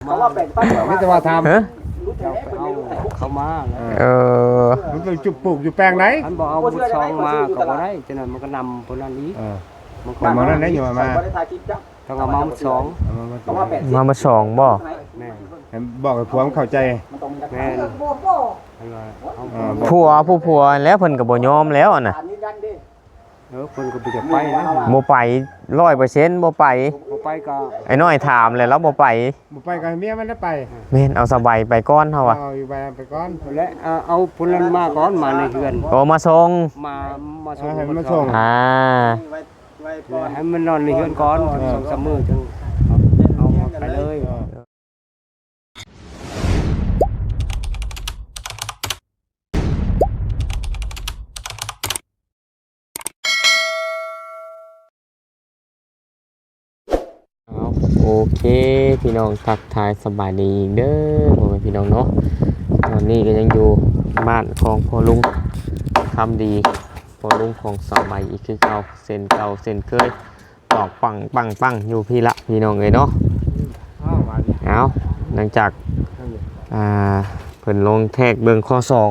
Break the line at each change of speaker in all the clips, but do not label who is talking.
เขาว่าเป็นปั้นไม่จะมาทำ
เขามา
มันเป็นจุดปลูกอยู่แปลงไหน
มันบอกเอาบุญซองมาเขาบ่ได้ฉะนั้นมันก็นำคนนั้นนี้
มันนั่นได้อยู่มา
ต้องเอามาบุญซอง
มาสองบ่
แม่
บอกกับผัวเข้าใจ
แม่
ผัวแล้วเพิ่นก็บ่ยอมแล้วน่ะ
เพิ่นก็บ่จะไปนะ
บ่ไป 100% บ่ไป
ก็
ไอ้น้อยถามแล้วเราบ่ไป
ก็เมียมันได้ไป
แม่นเอาสบายไปก่อนเฮาอ่ะ
เอาอยู่ไปก่อน
และเอาพุ่นนั้นมาก่อนมาในเฮือน
ก็มาส่ง
มาส่ง
ให้มันส่ง
ให้มันนอนในเฮือนก่อน2-3 มื้อจึงเอาไปเลย
โอเคพี่น้องทักทายสบายดีเด้อพ่อแม่พี่น้องเนาะตอนนี้ก็ยังอยู่บ้านของพ่อลุงทำดีพ่อลุงของสมัยอีกคือเก่าเส้นเก่าเส้นเคยตอกปังอยู่พี่ละพี่น้องเลยเนาะเอาหลังจากเพิ่นลงแทกเบิ่งข้อ2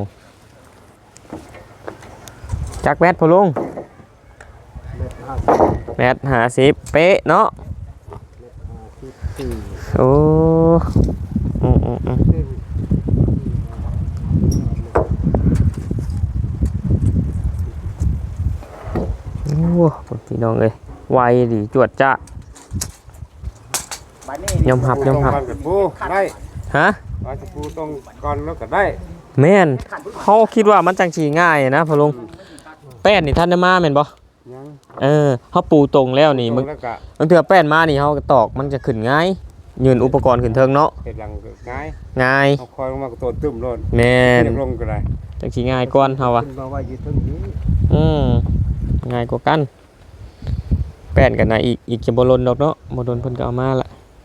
จักแมทพ่อลุงแมท50เป๊ะเนาะโอ้พี่น้องเอ้ยไวดีจวดจ้ายอมหับ
ได้
ฮะ
ว่าจะปูตรงก่อนแล้วก็ได้
แม่นเขาคิดว่ามันจังสีง่ายนะพ่อลุงแป้นนี่ท่านได้มาแม่นบ่เขาปูตรงแล้วนี่มึงเถื่อแป้นมานี่เขาตอกมันจะขึ้นง่ายยืนอุปกรณ์ขึ้นเทิงเนาะ
เฮ็ดหลัง
ง่าย
เอาคอยลงมาก็ตัวตึ้มโลด
แม่น
ลงก็ได้
จังสิง่ายก่อนเฮาอ่ะง่ายกว่ากันแป้นกันนะอีกจะบ่ลนดอกเนาะบ่ลนเพิ่นก็เอามาละ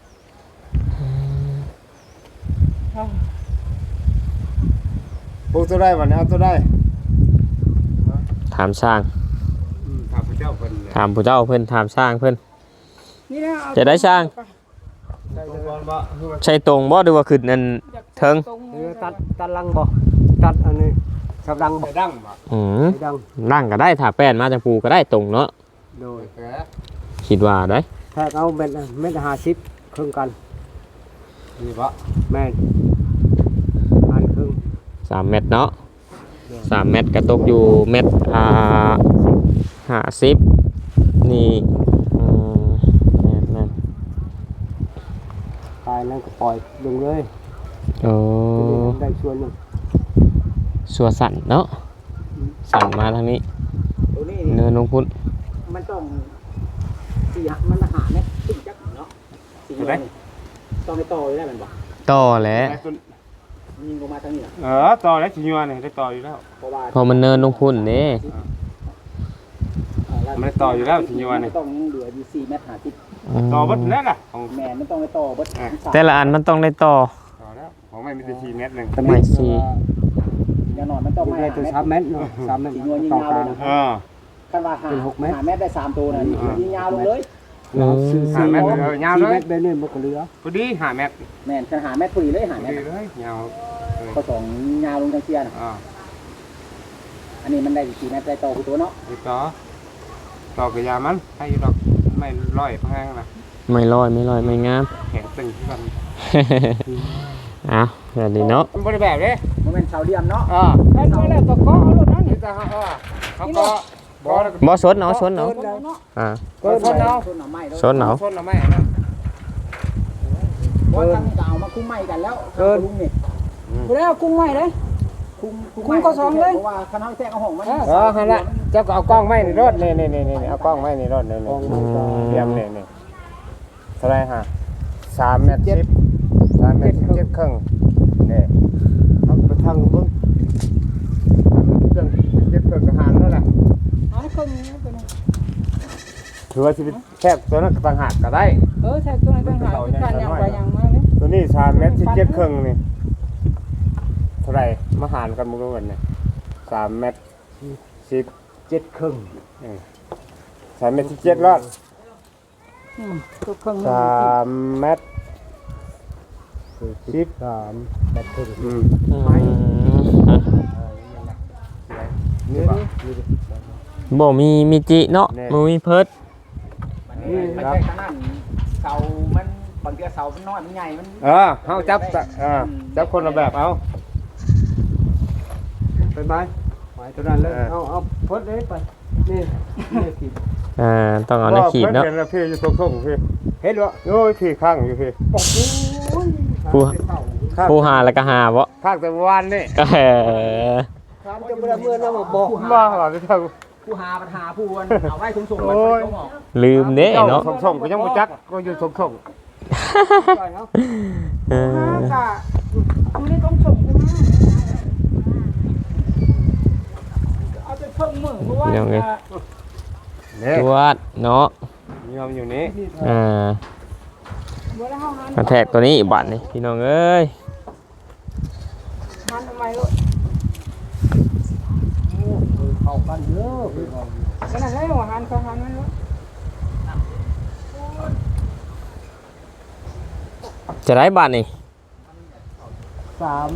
ปูตัวได้วันนี้เอาตัวได้
ถามช่าง
ถามผู้เจ้าเพิ่น
ถามผู้เจ้าเพิ่นถามช่างเพิ่นจะได้ช่างใช่ตรงบ่หรือว่าขึ้นนั่นเทิง
ตัดลังบ่ตัดอันนี้สับดังบ่
ดังบ่
ดังก็ได้ถ้าแป้นมาจังปูก็ได้ตรงเนาะ
โดย
คิดว่าได้
ถ้าเอาเม็ด50ครึ่งกัน
นี่บ่
แม่นอันครึ่ง
3 เม็ดเนาะ3 เม็ดก็ตกอยู่เม็ด50นี่นั่น
ตายแล้วก็ปล่อยลงเลยได้ส่วนนึง
ส่วนสั่นเนาะสั่นมาทางนี้เนินลงพุ้น
มันต้องมันหาเม็ดตึ้งจักเนาะต้องไปต่อได้มันบ่
ต่อแล้ว
ยิงลงมาทางนี้
ต่อแล้วสิยัวนี่ได้ต่ออยู่แล้ว
พอมันเนินลงพุ้นนี่
มันต่ออยู่แล้วสิยัวนี่
ต้องเหลืออยู่4 เมตร 50
ต่อบัดแล้วล่ะ
ของแม่มันต้องไปต่อบัด
แต่ละอันมันต้องได้ต่อ
แล้วของไม่มีแต่4 เมตรนึง
ไม่4
อย่างน้อยมันต้องไม่3 เมตรเนาะ3 เมตรต่อกันคันว่า6 เมตร5 เมตรได้3ตัวน่ะยิงยาวลงเลย
5 เมตรยาวเลย
4 เมตรได้1บ่ก็เหลือ
พอดี5 เมตร
แม่นคัน5 เมตรพอดีเลย5 เมตร
เลยยาว
ก็2ยาวลงจังเซี่ยน่ะอันนี้มันได้4 เมตรได้ต่อคือตัวเนาะ
ต่อกับยามันให้ดอกไม่ร้อยแพงนะ
ไม่ร้อยไม่งาม
แข็งตึงที่มัน
แบบนี้เนาะ
มันบริแบบเลย
มันเป็นเสาเดียมเนาะ
แค่นั้นแหละตะก้อเอาลูกนั้นนี่จะเขาก็
บ่สนเนาะสนเนาะ
ก็สนเนาะ
สนเนาะ
สนเนาะไม่นะ
บ่ทางนี้ก็เอามาคุ้มไม้กันแล้วลุงนี่บ่ได้เอากุ้งไม้เด้คุ้มก็2เลยเพราะว่าคณะแท้เอาห้องมัน
หั่นล่ะเจ้าก็เอากล้องไม้ในรถนี่เอากล้องไม้ในรถนี่เตรียมนี่เท่าไหร่ฮะ3 เมตร 10 3 เมตร 7 ครึ่งนี่เอาไปทางเบิ่งเรื่อง7 ครึ่งก็หารแล้วล่ะ
เอาครึ่งนี้เป็น
ถือว่าสิแคบตัวนั้นต่างหากก็ได้
แทบตัวนั้นต่างหากการอย่างไปอย่างมานี่
ตัวนี้3 เมตร 17 ครึ่งนี่เท่าไหร่มาหารกันมื้อวันนี่3 เมตร 17 ครึ่ง3 เมตร 17 รอด3 เมตร
13แบบถึง
อืม
นี่บ่
บ่มีจิเนาะบ่มีเพิด
มันใช่ขนาดเสามันบางทีเสามันน้อยมันใหญ่มัน
เฮาจับจับคนละแบบเอา
ไปไม้ตัวนั้นเลยเอาพดเลยไปนี่ขีด
ต้องเอาหน้าขีดเนาะ
เห็นแล้วพี่อยู่ทงๆพี่
เห็นบ่
โอ้ยพี่ข้างอยู่พี่
ผู้หาแล้วก็หาบ่
ข้างแต่วันนี่
ถามจะเมื่อนะบ่
มาหล่ะที่ทาง
ผู้หาปัญหาผู้วนเอาไว้ส่งๆมันต้องออก
ลืมเด้เนาะ
ทงๆก็ยังบ่จักก็อยู่ทง
เออ
กูนี่ต้องส่งกูมาเอาไปเพิ่มมือเพราะว่า
ยังไง
ๆนี่
จวดเนาะ
ยอมอยู่นี้
บ่ได้เฮานั้น
กระแทกตัวนี้บัดนี่พี่น้องเอ้ย
มันทำไมลูก
เข้ากันเยอะ
ขนาดนั้นหัวหันเขาหันมันลูก
จะได้บัดนี่
3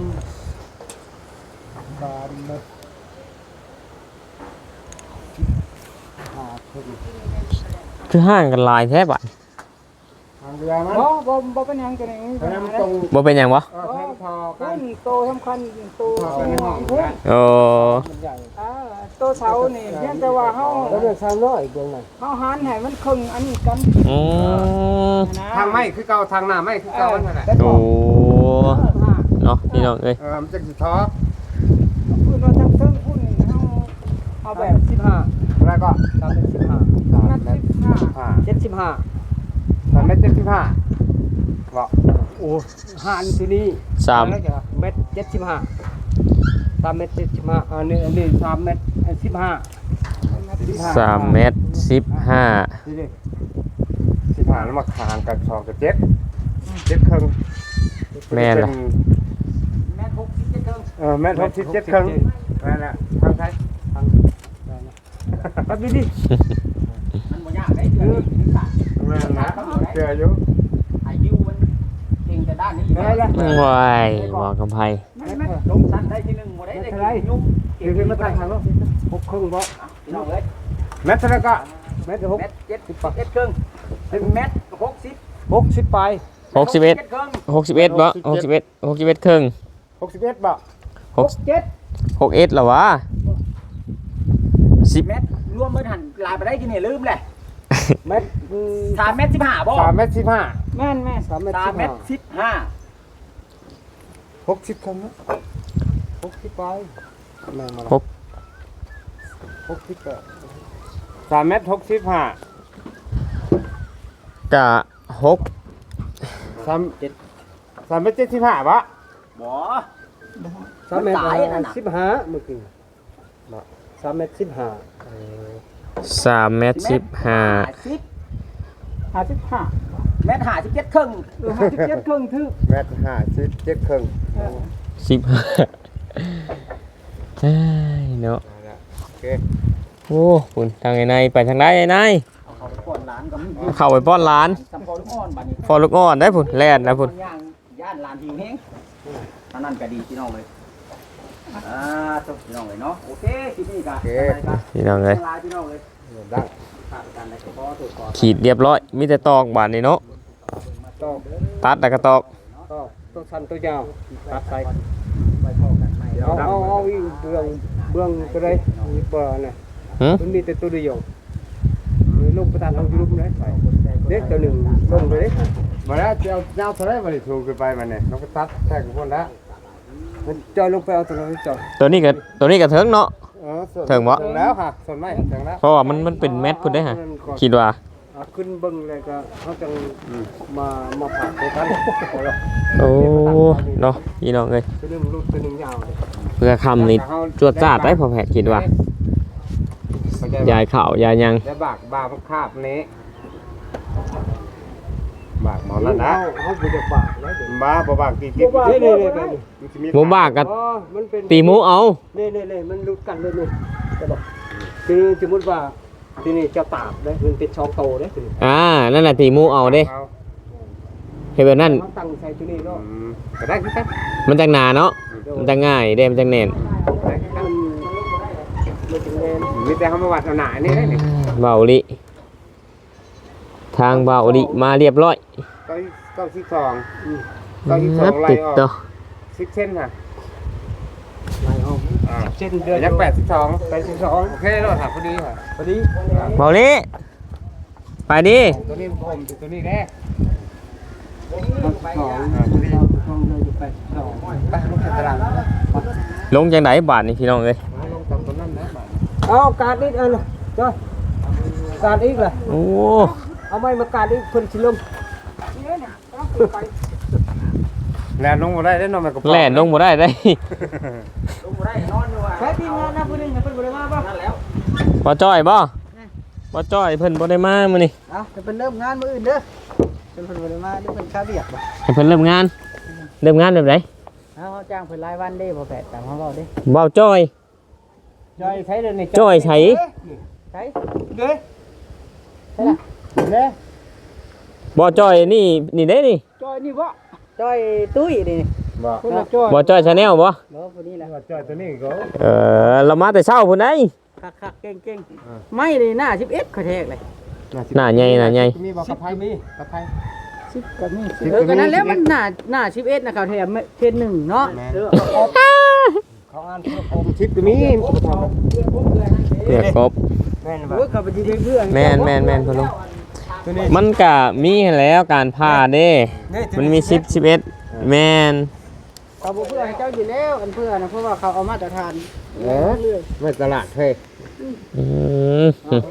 คือห่างกันหลายแท้บัด
ทางเรือมัน
บ่เป็นหยังจังได๋
เพราะนั้นมันตรง
บ่เป็นหยังวะ
แทงพอกั
ขึ้
น
นโตสำคัญโต
พอกันในห้อง
พุ่น
นะ
โอ้
โตเสานี่เพียงแต่ว่าเฮา
แล้วเรื่อง3น้อยอีกตรงนั้น
เฮาหันให้มันครึ่งอันนี้กัน
อืม
นะ
ทางไม้คือเก่าทางหน้าไม้คือเก่านั่นแหละ
โอ้เนาะพี่น้องเอ้ย
มันจะสิท้อ
พูดว่าทั้งเทิงพุ่นเฮาเอาแบบ
15
แล้วก็
นัด
5
15
3 เมตร 75บอก
โอ้หันที่นี่
3
เม็ด75 3 เม็ด75อันนี้3 เม็ด15
3 เมตร 15
นี่ดิ
15แล้วมาคางกัน2กับ7ครึ่ง
แม่นล่ะ
แม่67เทิง
เมตร67ครึ่งนั่นแหละทางไทย
แป๊บนี้ดิ
มันบ่ยากได้เทื่อนี้สัตว์
นั่นนะเสืออยู่
อายุมันเก่งแต่ด้านนี้
ได้แล้ว
ว้ายบอกกับไผ
ไม่ลงชั้นได้ที่1บ่ได้ได้ยุ่ง
เดี๋ยวมาตั้งทางแล้ว6ครึ่งบ่
พี่น้องเอ้ย
เมตรแล้วก็
เม็ด
เม็ด7ครึ่ง1เม็ด60
60ไป
61 61บ่61ครึ่ง
61บ่
67
61เหรอวะ10
เม็ดรวมเบิดหันลายไปได้กี่เนี่ยลืมเลย
เม็ด
3เม็ด15บ่
3 เมตร
แม่นแม่
3 เม็ด
3เม็ด
15 60ครึ่งนะ
60ไปแม่มา
3 เมตร 65
กะ6
3 เมตร 75บ่
15บ่
3 เม็ด
ตายนั่นน่ะ
15เมื่อกี้3 เม็ด 15
3 เมตร 15
55เม็ด57ครึ่ง57ครึ่งถึก
เมตร57ครึ่ง
15เอ้ยเนาะ
โอเค
โอ้คุณทางไหนไปทางไหนไอ้นาย
เอาไปก่อนร้านก็มี
เข้าไปป้อนร้าน
สำพอลูกอ่อนบัดนี้
ฟอลูกอ่อนได้พุ่นแล่นนะพุ่น
ย่านร้านหิวแฮงอันนั้นก็ดีพี่น้องเลยจบพี่น้องเลยเนาะโอเคคลิปนี้ก็
พี่น้องเลย
ลาพี่น้องเลย
ได้
ขาดกันได้ก็พอถูกก่อน
ขีดเรียบร้อยมีแต่ตอกบาดนี่เนาะ
ตอก
ตัดแล้วก็ตอก
ตัวสั้นตัวยาวตัดใส่
ไปพอกันใหม่
เอาอีกเบื้องก็ได้มีเปล่าน่ะ
หึ
มันมีแต่ตัวเดียวลงประธานเอาอยู่รูปเลยเด็กตัวหนึ่งลงเลย
มาแล้วจะเอาเจ้าเท่าไรมาดิถูกขึ้นไปมันเนี่ยน้องก็ตัดแทกกับคนแล้ว
มันจอยลงไปเอาตัวนั้นจอย
ตัวนี้ก็เถิงเนาะ ถึงบ่
ถึงแล้วค่ะส่วนไม่ถึงแล้ว
เพราะว่ามันเป็นแมทพุ่นได้ฮะคิดว่า
ขึ้นเบิ้งเลยก็เขาจังมาผ่าไปกัน
โอ้เนาะพี่น้องเอ้ย
ตัวนึงรูปตัวนึงยาวเลย
เพื่อคำนี่จวดจ้าดได้พอแผดคิดว่า ยายข่าวยายยัง
จะบากบาคาบนี้บากหมอนั่นนะ
เขาไปจะปากแล้วเดี๋ยว
บ้าบ่บากตีกิ๊บ
นี่
หมูบ้ากัน
มันเป็น
ตีหมูเอา
นี่มันรุดกันเลยนี่จะบอกคือสมมติว่าที่นี่จะตากได้มันเป็นช่องโตได้คือ
นั่นแหละตีหมูเอาเด้
เอา
เฮ็ดแบบนั้น
ตั้งใส่ตัวนี้เนาะ
ก็ได้คือกัน
มันจังหนาเนาะมันจังง่ายเด้มันจังแน่น
มีแต่เฮามาวัดเอาหนานี่ได้นี่
เบาลิทางเบาลิมาเรียบร้อย
92 92ไล่
ติด
ออก
ต่อ
10เซนค่ะ
ไล่ออกเส้นเดือน
ยัก82โอเคแล้วค่ะพอดีค่ะ
พอดี
เบาลิไปดิ
ตัวนี้ผมตัวนี้แน่
2เลยอยู่ไป2
ไปลงตาราง
ลงจังไดบาทนี่พี่น้องเอ้ย
ลงตามตัวนั้นนะ
เอาการอีกอันจ้ะการอีกล่ะ
โอ้
เอาไม้มาการอีกเพิ่นสิลง
แล่นลงบ่ได้ได้นอนมันก็
แล่นลงบ่ได้ได้
ใช้ทีมงานนะผู้นึงเพิ่นบ่ได้มาบ่นั่นแล้ว
บ่จ้อยบ่จ้อยเพิ่นบ่ได้มามื้อนี้
เอาจะเป็นเริ่มงานมื้ออื่นเด้อเพิ่นบ่ได้มาเดี๋ยวเพิ่นค่าเวียกบ่
ให้เพิ่นเริ่มงานแบบไหน
เอาเฮาจ้างเพิ่นรายวันเด้บ่แพทย์ตามเฮาเว้าเด้
เบาจ้อย
จอยใช้เด้อนี่
จ้อยใช้
ใช้เด้ใช่ล่ะเด้
บ่จ้อยนี่เด้นี่
จอยนี่บ่จอยตุ้ยนี่
บ่
คนละจอย
บ่จ้อยชาแนลบ่
บ่ผู้นี้แหละ
จอยตัวนี้ก็
เรามาแต่เช้าพุ่นได้
คักๆเก่งๆไม่นี่หน้า11เขาแทกเลย
หน้าใหญ่
มีบ่กระไพมีกระไพ
10ก็มีก็นั้นแล้วมันหน้า11นะเขาแทกเทน1เนาะ
เขาอ่านผมชิปก็มี
เพื่อกบ
แม่นบ่เขาไปสิเพื่อน
แม่นพ่อลุงมันก็มีให้แล้วการพาเด้ มันมี10 11แม่น
เขาบ่เพื่อให้เจ้าอยู่แล้วอันเพื่อนะเพราะว่าเขาเอามาตรฐาน
ไม่ตลาดเฮ้ย
อืม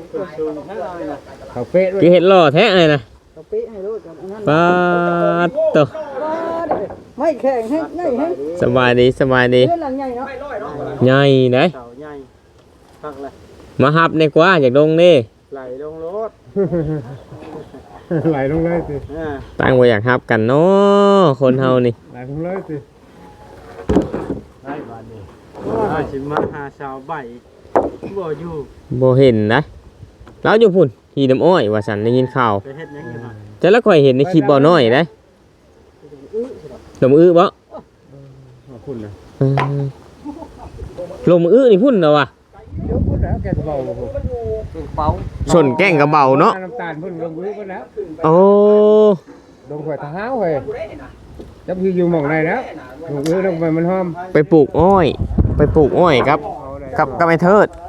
เขาเป๊ะด้วย
คือเห็ดหล่อแท้เลยนะ
เขาปิให้รู้กันอันนั้น
ปาดตัว
ไม่แข็งให้ง่ายให้
สบายดี
เรื่องหลังใหญ่เนาะ
ใหญ่เด้
เสาใหญ่พักเลย
มาหับในกว่าอยากลงนี่
ไหลลงรถ
ไหลลงเลยสิ
ตั้งไว้อยากหับกันเนาะคนเฮานี่
ไหลลงเลยสิ
ได้บาดนี้ว่าสิมาหาสาวใบบ่อยู่
บ่เห็นนะแล้วอยู่พุ่นขี่น้ำอ้อยว่าสันได้ยินข่าว
ไปเฮ็ดหยังอยู่น่ะ
แต่ละข่อยเห็นในคลิปบ่น้อยนะลมอื้อบ่
ขอบคุณนะ
เออลมอื้อนี่พุ่นเนาะว่ะ
เดี๋ยวพูดแล้วแกจะเบา
เป๋า
ชนแก้งกระเบาเนาะ
น้ำตาลพุ่นลงมือพุ่นแล้ว
โอ้
ลงหัวเท้าเฮ้ยจับอยู่หม่องไหนแล้วลงมือลงไปมันหอม
ไปปลูกอ้อยครับกับไอ้เทิด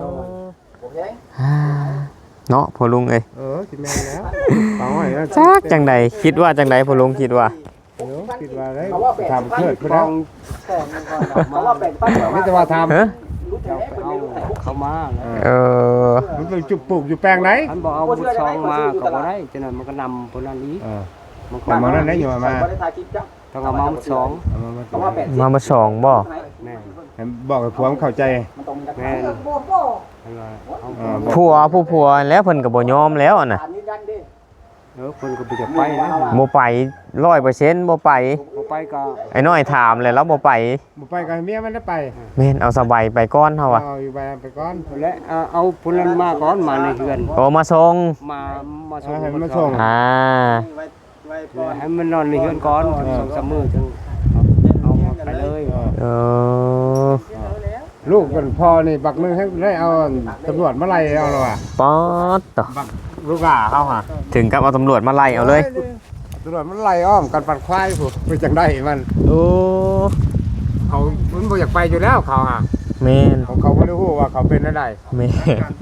เนาะพ่อลุงเอ้ย
สิแม่นแล้วเปล่าไอ้
จักจังใดคิดว่าจังใดพ่อลุงคิดว่า
คิดว่าได้ทำเกิดพุ่นแล้ว
เขาว่าแบ่งปัน
ไม่แต่ว่าทำ
ฮะ
เขามา
เออ
มันเป็นจุกปลูกอยู่แปลงไหน
อันบอกเอาบุญซองมาก็บ่ได้ฉะนั้นมันก็นำคนนั้นนี้
มันก็มานั่นได้อยู่มา
ต้องเอามาบุญซอง
มาสองบ่
แม่
บอกกับผมเข้าใจ
แม่เอา
ผัวแล้วเพิ่นก็บ่ยอมแล้วอะน่ะ
คนก็บ่จะไปนะ
บ่ไป 100% บ่ไป
บ่ไปก็
ไอ้น้อยถามเลยแล้วบ่ไป
บ่ไปกับเมียมันได้ไป
แม่นเอาสบายไปก่อนเฮาอ่ะ
เอาอยู่ไปก่อน
และเอาผู้นั้นมาก่อนมาในเฮือน
ก็มาส่ง
มาส่ง
ให้มันมาส่ง
อ่า
ให้มันนอนในเฮือนก่อน2-3มื้อจึงเอาไปเลย
เออ
ลูกกันพ่อนี่บักนึงให้ได้เอาตำรวจมาไล่เอาแล้วอ่ะ
ป๊อดต่อ
ลูกอ่ะเขาหา
ถึงกับเอาตำรวจมาไล่เอาเลย
ตำรวจมันไล่อ้อมกันปัดควายผู้ไปจังได้มัน
โอ้
เขามันบ่อยากไปอยู่แล้วเขาอ่ะ
แม่น
เขาไม่รู้ว่าเขาเป็นอะไร
แม่น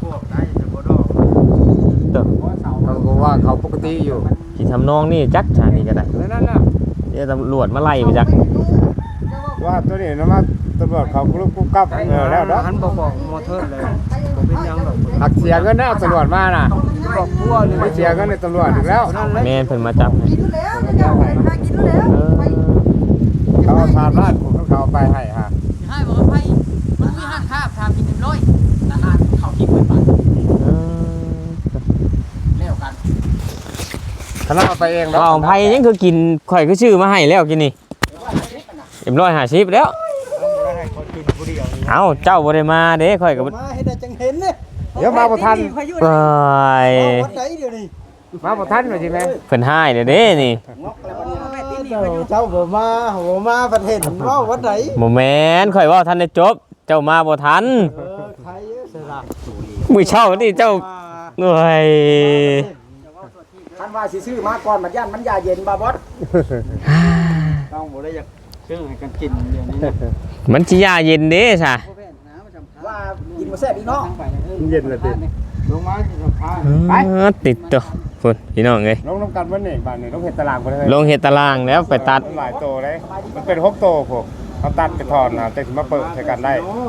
ต่อ
เขาก็ว่าเขาปกติอยู่
ที่ทำนองนี่จักชานี่ก็ได้
นั่นน่ะ
เดี๋ยวตำรวจมาไล่ไปจัก
ว่าตัวนี้นะมาตำรวจเขาลุกกุ๊กกับแล้วเนาะ
หันบอกมอเตอร์เลยบ่เป็นหยังหรอก
หักเสียเงินนะตำรวจมาน่ะ
บอกพัวนี่
ไม่เสียเงินในตำรวจอีกแล้ว
แม่นเพิ่นมาจับให้ เออ
เขาเอาทานราดผมเขาเอาไปให้ฮะ
ให้บอกว่าไปมันมีห้างคาบทำกิน100แต่หานเขาคิดเป็นบาท
เออ
แล้วกัน
คณะเอาไปเอง
เอาไผยังคือกินข่อยคือชื่อมาให้แล้วกินนี่150แล้วเอ้าเจ้าบ่ได้มาเด้ข่อยก็
มาให้ได้จังเห็นเนี่ย
เดี๋ยวมาบ่ทัน
ไป
วัดไหนเดี๋ยวนี้
มาบ่ทันว่าสิแม่
เพิ่นให้เด้อเด้นี่
งอกแล้วบัดนี้เจ้าบ่มาประเทศเว้าวัดไหน
บ่แม่นข่อยเว้าทันได้จบ เจ้ามาบ่ทัน
ใครสละ
มื้อเช้านี่เจ้าโอ้ย
ท่านว่าสิซื้อมาก่อนมันย่านมันยาเย็นบ่บอส
ต้องบ่ได้อยากซื้อให้กันกินเดี๋ยวนี้นะ
มันสิยาเย็นเด้ซะ
ว่ากินบ่แซ่บอีกเนาะ
เย็นเลยติ
ลงมาสิสัมภาษณ์
ติดตัวพุ่นพี่น้องเอ้ย
ลงน้ำกันวันนี้บ้านนี้ลงเห็ดตารางไปเลย
ลงเฮ็ดตารางแล้วไปตัด
หลายโตเลยมันเป็น6โตพวกเขาตัดไปถอนนะแต่ถึงมาเปิดใช้กันได้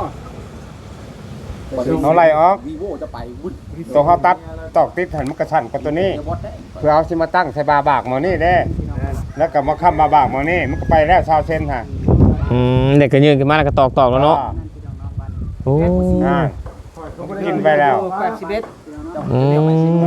เขาไล่ออก
วีโวจะไปวุ่น
ตัวเขาตัดตอกติดหันมันกระชันกับตัวนี้
บอสได้
เพื่อเอาสิมาตั้งใส่บาบากหมอนี่เด้แล้วก็มาค้ำบาบากหมอนี่มันก็ไปแล้วชาวเส้นฮะ
เด็กก็ยืนขึ้นมาแล้วก็ตอกๆแล้วเนาะโอ้
อ่ากินไปแล้ว
อืม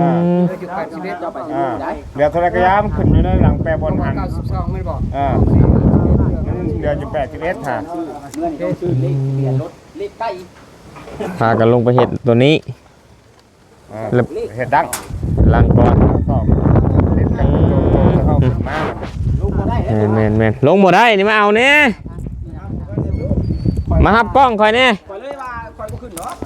อ่าเดี๋ยวโทรกระยามขึ้นอยู่ในหลังแปรบนหัน
92ไม่บอก
อ่ามันเดือนอยู่81ฮะ
เงินเขาซื้อเลขเปลี่ยนรถเลขใกล้
พากันลงไปเฮ็ดตัวนี้
อ่าเห็ดดัง
ลังก่อน
ตอกเล่นกันโตจะเข้าขึ้นมา
ลูกบ่ได้แล้ว
แม่นลงบ่ได้นี่มาเอาแน่มาหับกล้องข่อยแน่
ข่อยเลยว่าข่อยบ่ขึ้นเนาะ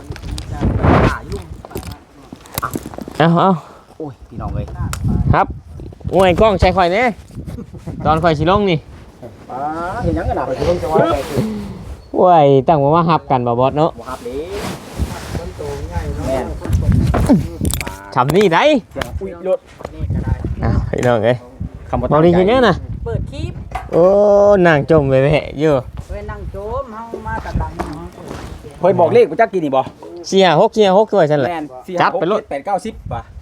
เอา
โอ้ยพี่น้องเอ้ย
ครับโอ้ยกล้องใช้ข่อยแน่ตอนข่อยสิลงนี่
เห็นหยังกันน่ะข่อยสิลงจังหวะไปคือ
โอ้ยตั้งว่าหับกันบ่บอสเนาะ
บ่ฮับเลยแม่น
ฉ่ำนี่ได้
เสียงอุ้ยรถ
อ้าวพี่น้องเอ้ย
คำบ่
บ่ได้ยินแน่น่ะ
เปิดคลิป
โอ้นั่งจมไปแม่อยู่
เว้นนั่งโจมเฮามาตัดดังเนาะ
ข่อยบอกเลขกูจักกินนี่บ่
456ด้วยฉันแหละ
แม่น
จับไปรถ
8 9 10ป่ะ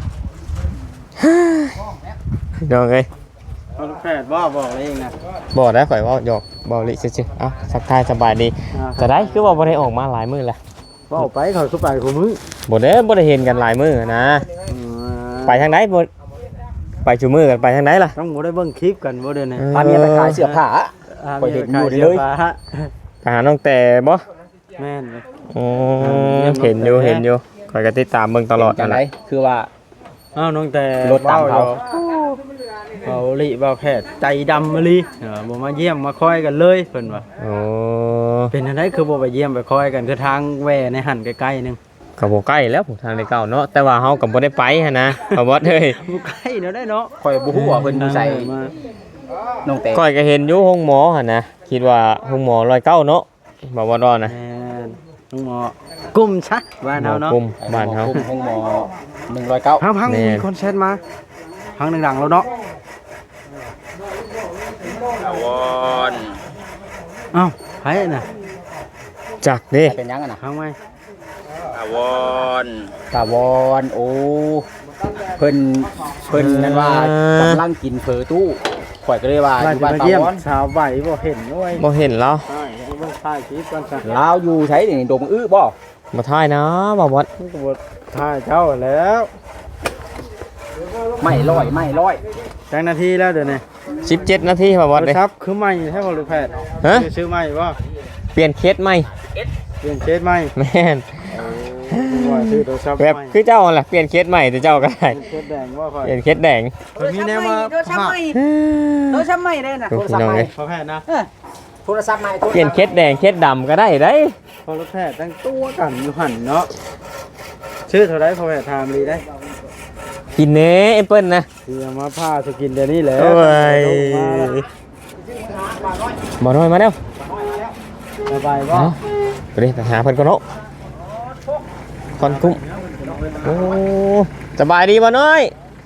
พี่น้องเอ้ย
เอาลูกแพทย์ว่าบอกเองนะ
บ่ได้ข่อยเว่าหยอกเบาลิซื่อๆเอ้าทักทายสบายดีแต่ได้คือว่าบ่ได้ออกมาหลายมื้อละ
ว่าไปเขาสุไปของมึง
บ่ได้เห็นกันหลายมื้อนะ ไปทางไหนบ่ไปชูมือกันไปทางไหนล่ะ
ต้องบ่ได้เบิ่งคลิปกันบ่เด้อเนี่ย
พาเมียไปขายเสื้อผ้า ข่อยเห็นอยู่เลย
ไปหาน้องแต่บ่
แม่นเลย
อ๋อเห็นอยู่ข่อยก็ติดตามเบิ่งตลอด
จั
นั่
ง
น
ได
แหละ
คือว่า
อ้าวน้องแต่
รถตามเขา
เขาลิบ่าวแพทย์ใจดำมาลิบ่มาเยี่ยมมาคอยกันเลยเพิ่นว่า
โอ้
เป็นจังไดคือบ่ไปเยี่ยมไปคอยกันคือทางแหว่ในหันใกล้ๆนึง
ก็บ่ใกล้แล้วผมทางในเก่าเนาะแต่ว่าเฮาก็บ่ได้ไปหั่นนะบ่บอสเอ้ย
บ่ใกล้เนาะได้เนาะ
ข่อยบ่ฮู้ว่าเพิ่นอยู่ใส่
มา
น้องแต่
ก้อยก็เห็นอยู่ห้องหมอหั่นนะคิดว่าห้องหมอ109เนาะบ่บ่ดอนนะ
แม่นลุงหมอกุ้มซะบ้านเฮาเนาะ
กุมบ้านเฮา
ห้องหมอ109
พัง
แม่น
มีคนแชทมาพังดังๆแล้วเนาะ
วอน
เอ้าไผน่ะ
จักเด้
เป็นหยังอะน่ะ
พังไหม
ตาวอนโอ้เพิ่นนั่นว่ากำลังกินเฟอตู้ข่อยก็เลยว่าอ
ว่า
ยู่
จะ
บ้าน
มา
ตา
เยี่ยม
วอน
สาวใบบ่เห็นด้วย
บ่เห็นแล้ว
ใช่เบิ่งถ่ายคลิปก่อนซะ
ลาวอยู่ใช้นี่ดงอื้อบ่
บ่ทายนะบ่บอส
มันก็บ่ถ่ายเจ้าแล้ว
ไม่ร้อย
จังนาทีแล้วเดี๋ยวนี้
17นาทีบ่บอส
โทร
เด้
ศัพท์คือใหม่ใช่บ่ลูกแพทย์
ฮะ
ซื้อใหม่บ่
เปลี่ยนเคสใหม่
เปลี่ยนเคสใหม่
แม่น
ว่าซื้อโทรศัพท์
แบบ
ใหม่
คือเจ้านั่นแหละเปลี่ยนเคสใหม่แต่เจ้าก็ได้
เคสแดงบ่ค่อย
เปลี่ยนเคสแดง
มันมีแนวมา
โดนช้ำใหม่โดนช้ำใหม่ได้น่ะ
ดูพี่น้องเอ้ย
พอแพทย์นะ
โทรศัพท์ใหม่
เปลี่ยนเคสแดงเคสดำก็ได้ได้
พอลูกแพทย์ตั้งตัวกันอยู่หั่นเนาะชื่อเท่าไรพอแพทย์ถามดีได้
กินเน้แอปเปิ้ลนะ
ที่เอามาผ้าสกินเดี๋ยวนี้แหละ
โอ้ยบ่น้อยมาแล้ว
สบายบ่
เอาไปดิไปหาเพิ่นก่อนเนาะคอนคุ้มโอ้สบายดีบ่น้อย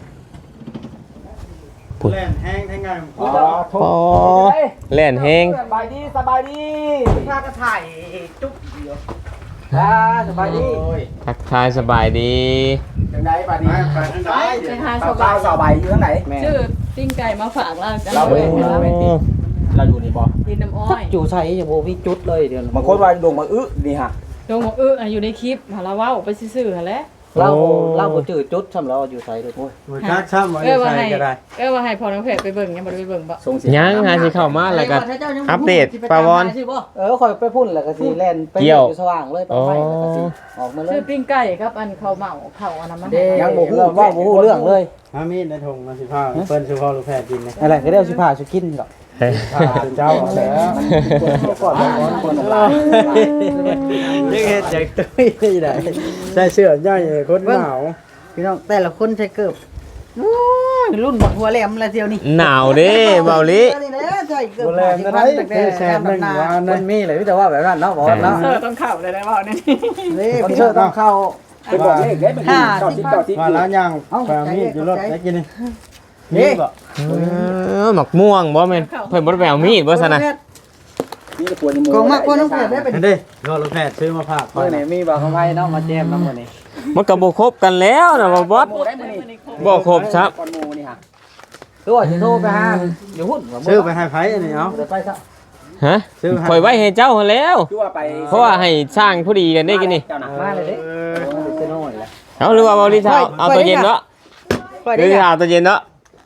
แล่นแห้งแท้งไง
อ๋อแล่นแฮง
สบายดีพาก็ถ่ายจุ๊บเดียวสบายดี
ทักทายสบายดี
จังไดบาดนี้
ไปหา
ส
สบาย
บายอยู่ทางไหน
ชื่อปิ้งไก่มาฝากเราจัง
เรา
เล
เว้
ย
ยเราอยู่นี่บ่
ดินน้ำอ้อย
อยู่ใส่อย่าโบมีจุดเลยเดี๋ยว
บางคนว่าดงมาอื้อนี่ฮะ
โดนบอกอยู่ในคลิปหาเราเว้าไปซื่อๆหั่นแหละ
เราบ่จืดจุดซ้ำเราอยู่ไสด้วยโอ้ย
บ่จักช้ำบ่ได้ใส่ก็ได้
ว่าให้พอน้องเพชรไปเบิ่งยังบ่ได้ไปเบิ่งบ่
ส่งสิ
ยังหาสิเข้ามาแล้วก็อัปเดตปาวอน
ค่อยไปพุ่นแล้วก็สิแล่นไปอยู่สว่างเลยไป
อ๋อ
ไฟแล้วก็สิออกมาเล
ซื้อย ปิ้งไก่ครับอันข้าวเหมาข้าวอันนั้นมันให้
ยังบ่ฮู้ว่าบ่ฮู้เรื่องเลย
หามีดในถุงมาสิพาเปิ้นสิพอลูกแพทย์กินนะ
อะไรก็ได้เอาสิพาสิกินดอก
พาเจ้าเอาแล้ว
ก่อนก่อน
ยังเฮ็ดจากตุ้ยได้ใส่เสื้อย่อยคนหนาว
พี่น้องแต่ละคนใช้เกือบรุ่นบักหัวแหลมละเดียวนี่
หนาวเด้เบาลิ
นี่แหละใช่เกือบ
บ่แลนได้แซ่บนึงว่า
มั
นั่น
นมีเลยแต่ว่าแบบนั้นเนาะบอกเนาะ
เออต้องเข้าได้ได้บ่เนี่ย
นี่พี่น้องต้องเข้า
ไปบอกเลขได้มัน90
ว่าแล้วยังพามีดอยู่รถได้กินนี่นี่บ่
หมักม่วงบ่แม่นเพิ่นบ่ได้ไปเอามีดบ่ซั่นน่ะ
นี่ปวดในมื
กองมากกว่าน้องเพียรได้เป็น
เด้รอลูกแพทย์ซื้อมาฝาก
เมื่อไหนมีบอกเขาไว้เนาะมาแจมน้ำมันนี่
มันก็บ่ครบกันแล้วนะบ่บอส
หมู่ได้มื้อนี้
บ่ครบครับ
ก่อนหมู่นี่ฮะ
คือว่าจะโทรไปหาอยู่หุ้น
ซื้อไปให้ไผอันนี้เอา
เดี๋ยวไปซะ
ฮะปล่อยไว้ให้เจ้าหั่นแล้ว
คือว่าไป
เพราะว่าให้สร้างผู้ดีกันได้กินนี่
เจ้าน่ะ
มาเลยเด้เจะน้อยแล้ว
เอาหรือว่าเบาลิเช้าเอาตัวเย็นเนาะหรือเอาตัวเย็นเนาะ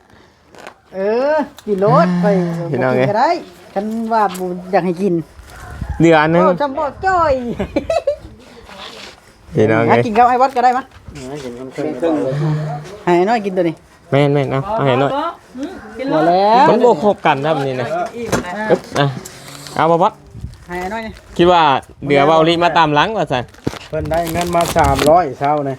กินรถไป
พี่น้องไง
ก็ได้ฉันว่าอยากให้กิน
เดือนหนึง
จำบ่จ้อย
พี่น้อง
ให้
ไง
กินกับไอ้วัดก็ได้มั้ย
กิน
ครึ่งเลย
ให้น้อยกินตัวนี้
แม่นๆเอาให้หน่อย
กิน
หม
เล
ด
ย
แล้ว
มันบ่ครบกันครับนี่นะอึ๊บอ่ะเอาบ่บอส
ให้น้อยนี่
คิดว่าเดือเบาลิมาตามหลังว่าซั่น
เพิ่นได้เงินมา300เช้านี่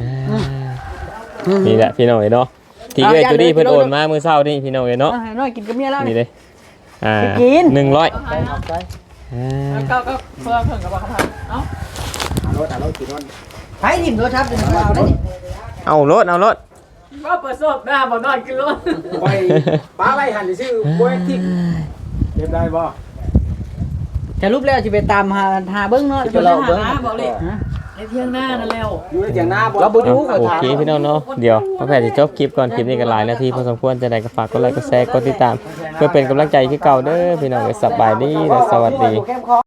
นี่แหละพี่น้องเนาะที่เอ้ยตัวนี้เพิ่นโอนมามื้อเช้านี่พี่น้องเนาะ
ให้น้อยกินกับเมียแล้ว
นี่
นี่
เลย
กิน
100
ก็เพิ่มกับบ่ครับเอ้า
ให้ถิ่มรถครับเดี๋ยวเอาได้นี่
เอารถ
ว่าเปิดสดหน้าบ่นอนกินรถ
ไปป้าไว้หันซื่อบ่ได้ทิ่ม
เก็บได้บ่
จะรูปแล้วสิไปตามหาเบิ่งเนาะ
จะเราเบิ่งบอกเลยในเที่ยงหน้านั่นแล้ว
อยู่ในเถียงนาบ่
เราบ่รู้ก็
โอ
ถาม
เคพี่น้องเนาะเดี๋ยวพ่อแพทย์จะจบคลิปก่อนคลิปนี้ก็หลายนาทีพอสมควรจะได้ก็ฝากกดไลค์กดแชร์กดติดตาม เพื่อเป็นกำลังใจที่เก่าเด้อพี่น้องสบายดีและสวัสดี